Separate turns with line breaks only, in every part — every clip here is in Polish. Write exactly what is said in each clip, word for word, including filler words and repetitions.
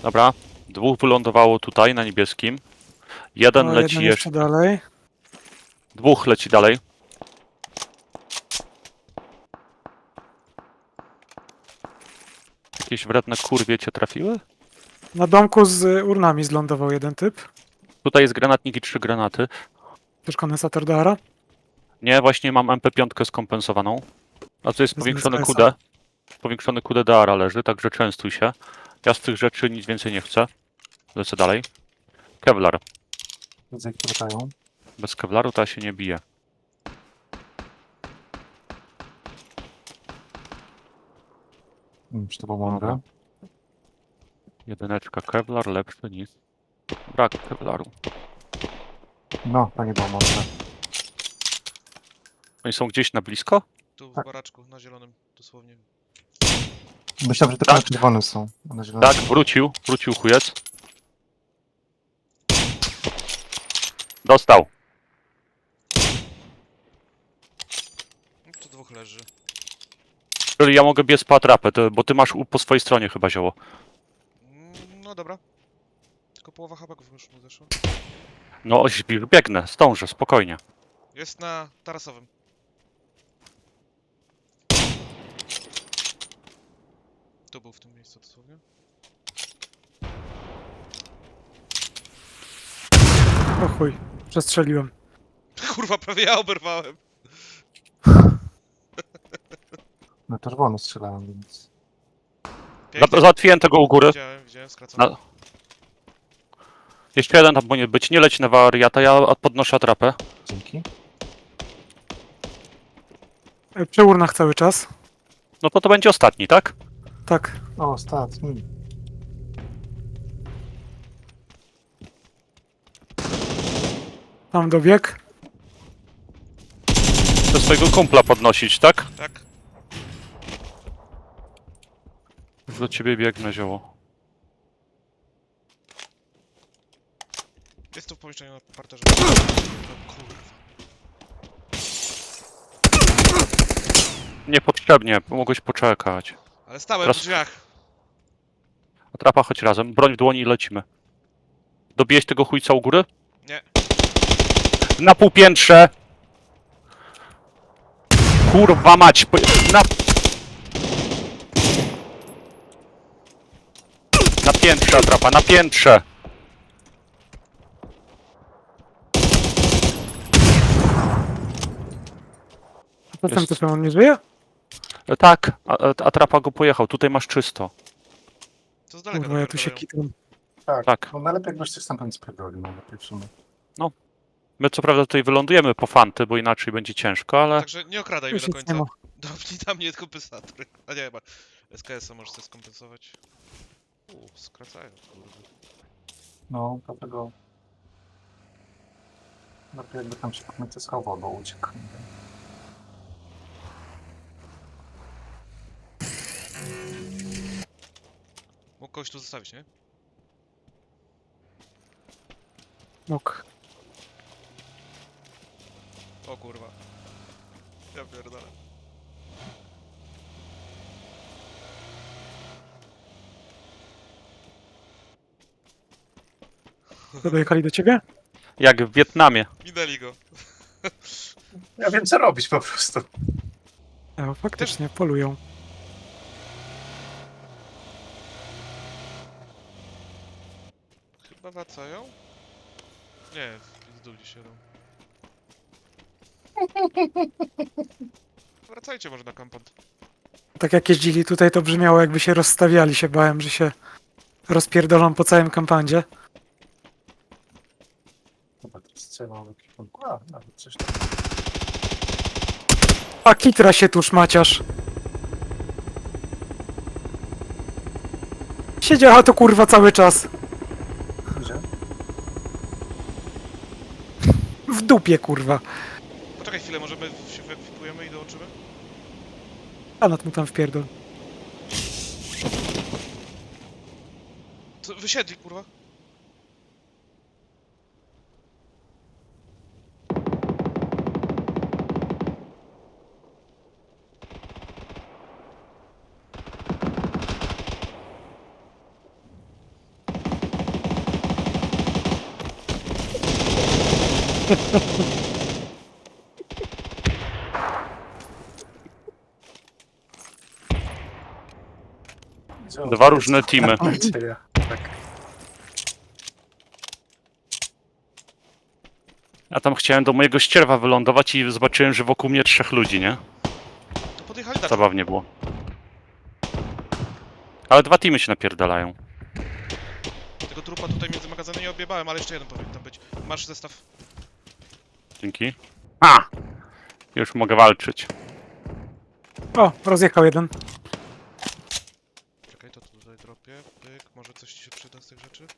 Dobra. Dwóch wylądowało tutaj na niebieskim. Jeden
O,
leci
jeden
jeszcze.
jeszcze dalej.
Dwóch leci dalej. Jakieś wredne kurwie cię trafiły?
Na domku z urnami zlądował jeden typ.
Tutaj jest granatnik i trzy granaty.
Też kondensator do Ara.
Nie, właśnie mam M P pięć skompensowaną. A tu jest
Bez
powiększony
S K
Q D.
S-a.
Powiększony Q D do Ara leży, także częstuj się. Ja z tych rzeczy nic więcej nie chcę. Lecę dalej. Kevlar.
Widzę, jak latają.
Bez Kevlaru to ja się nie bije.
Nie wiem, czy to było mądre.
Jedyneczka Kevlar, lepszy niż brak Kevlaru.
No, to nie było mądre.
Oni są gdzieś na blisko?
Tu w
Tak.
baraczku, na zielonym, dosłownie.
Myślałem, że tylko
Tak.
na czerwonym są. a Na zielonym.
Tak, wrócił. Wrócił chujec. Dostał.
No, tu dwóch leży.
Czyli ja mogę biec po atrapę, to, bo ty masz u, po swojej stronie chyba zioło.
Mm, No dobra. Tylko połowa habaków już mu zeszła.
No, oś- biegnę, zdążę, spokojnie.
Jest na tarasowym. Tu był w tym miejscu dosłownie.
O chuj, przestrzeliłem.
Kurwa, prawie ja oberwałem.
Na czerwono strzelałem, więc...
Pięknie.
Za- Załatwiłem tego u góry.
Widziałem, widziałem, skracony.
Na... Jeszcze jeden tam powinien być. Nie leć na wariata, ja podnoszę atrapę.
Dzięki.
E, Przy urnach cały czas.
No to to będzie ostatni, tak?
Tak.
O, ostatni.
Tam dobieg.
Chcę swojego kumpla podnosić, tak?
Tak.
Już do ciebie biegnę, zioło.
Jest tu w pomieszczeniu na parterze. No kurwa.
Niepotrzebnie, mogłeś poczekać.
Ale stałem
Teraz-
w drzwiach.
Atrapa, chodź razem. Broń w dłoni i lecimy. Dobijeś tego chujca u góry?
Nie.
Na półpiętrze! Kurwa mać! po- Na... Na piętrze, atrapa, na piętrze!
A potem
Jest.
typem on nie żyje?
E, Tak, a- a- atrapa go pojechał. Tutaj masz czysto.
To z daleka
Kurwa, ja tu się
napierdalają.
kitam.
Tak.
Tak.
No najlepiej jakbyś coś tam spierdolił, no lepiej w sumie.
My co prawda tutaj wylądujemy po fanty, bo inaczej będzie ciężko, ale...
Także nie okradaj mnie
Już
do
nic
końca.
nie ma.
Dopnij tam mnie kompensator. A nie, chyba S K S-a możesz sobie skompensować. Uuu, skracają, kurde.
No, dlatego... Lepiej jakby tam się komicy schował, bo uciekł. nie wiem.
Mógł kogoś tu zostawić, nie?
Mógł.
O kurwa. Ja pierdolę.
Dojechali do ciebie?
Jak w Wietnamie.
Minęli go.
Ja wiem co robić po prostu.
E, faktycznie, polują.
Chyba wracają? Nie, w dół gdzieś jadą. Wracajcie może na kampant.
Tak jak jeździli tutaj, to brzmiało jakby się rozstawiali. Się bałem, że się rozpierdolą po całym kampandzie.
Chyba to strzelał w jakimś kierunku. A, nawet coś tam.
A kitra się tu szmaciarz. Siedziała to kurwa cały czas.
Gdzie?
W dupie kurwa.
Poczekaj chwilę, możemy się wyekwipujemy i dołączymy?
Granat mu tam wpierdol.
Co, wysiedli kurwa?
Dwa różne teamy.
Nadzieja. Tak.
Ja tam chciałem do mojego ścierwa wylądować i zobaczyłem, że wokół mnie trzech ludzi, nie?
To podjechali tak.
Zabawnie było. Ale dwa teamy się napierdalają.
Tego trupa tutaj między magazynem nie odbiebałem, ale jeszcze jeden powinien tam być. Masz zestaw.
Dzięki. A! Już mogę walczyć.
O, rozjechał jeden.
Czekaj, to tutaj dropię. Pyk, może coś ci się przyda z tych rzeczy?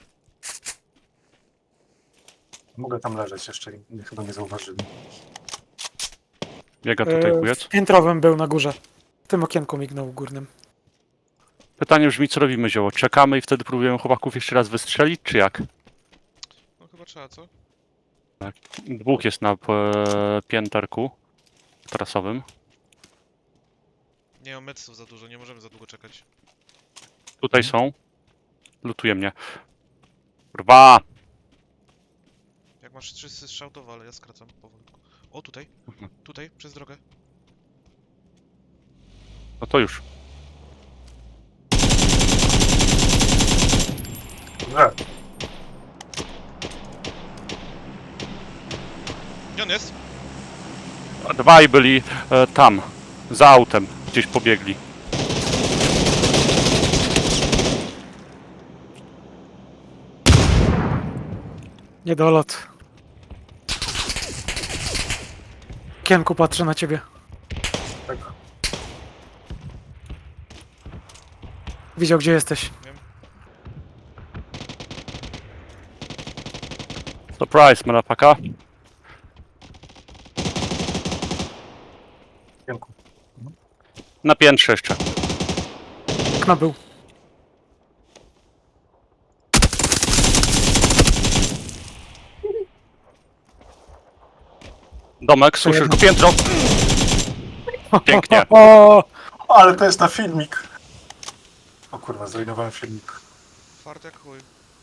Mogę tam leżeć jeszcze i mnie chyba nie zauważyli.
Biega tutaj
E,
kujec.
w piętrowym był na górze. W tym okienku mignął górnym.
Pytanie brzmi, co robimy, zioło? Czekamy i wtedy próbujemy chłopaków jeszcze raz wystrzelić, czy jak?
No chyba trzeba, co?
Dwóch jest na e, pięterku trasowym.
Nie mam medsów za dużo, nie możemy za długo czekać.
Tutaj są. Lutuje mnie. Kurwa!
Jak masz trzy strzał, to ale ja skracam powolutku. O, tutaj.
Mhm.
Tutaj, przez drogę.
No to już.
Dobrze.
Gdzie on jest?
A dwaj byli e, tam. Za autem. Gdzieś pobiegli.
Niedolot. W okienku patrzę na ciebie.
Tak.
Widział, gdzie jesteś.
Surprise, motherfucker.
Dziękuję.
Na piętrze jeszcze.
Okno był.
Domek, słyszysz go piętro. Pięknie.
O,
O, ale to jest na filmik. O kurwa, zrujnowałem filmik.
Fart jak chuj.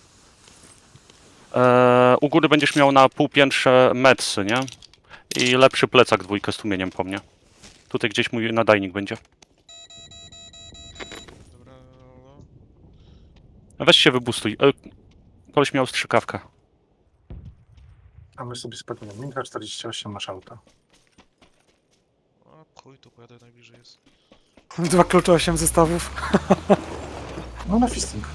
E, u góry będziesz miał na półpiętrze medsy, nie? I lepszy plecak dwójkę z tłumieniem po mnie. Tutaj gdzieś mój nadajnik będzie.
Dobra, no.
Weź się wybustuj. E, koleś miał strzykawkę.
A my sobie spadniemy. Minka czterdzieści osiem masz auto.
A chuj, tu pojadę najbliżej jest.
dwa klucze, osiem zestawów.
No na fisting.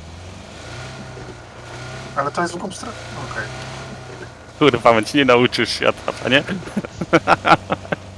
Ale to jest w drugą stronę. Okej.
Kurwa, więc nie nauczysz świata, nie?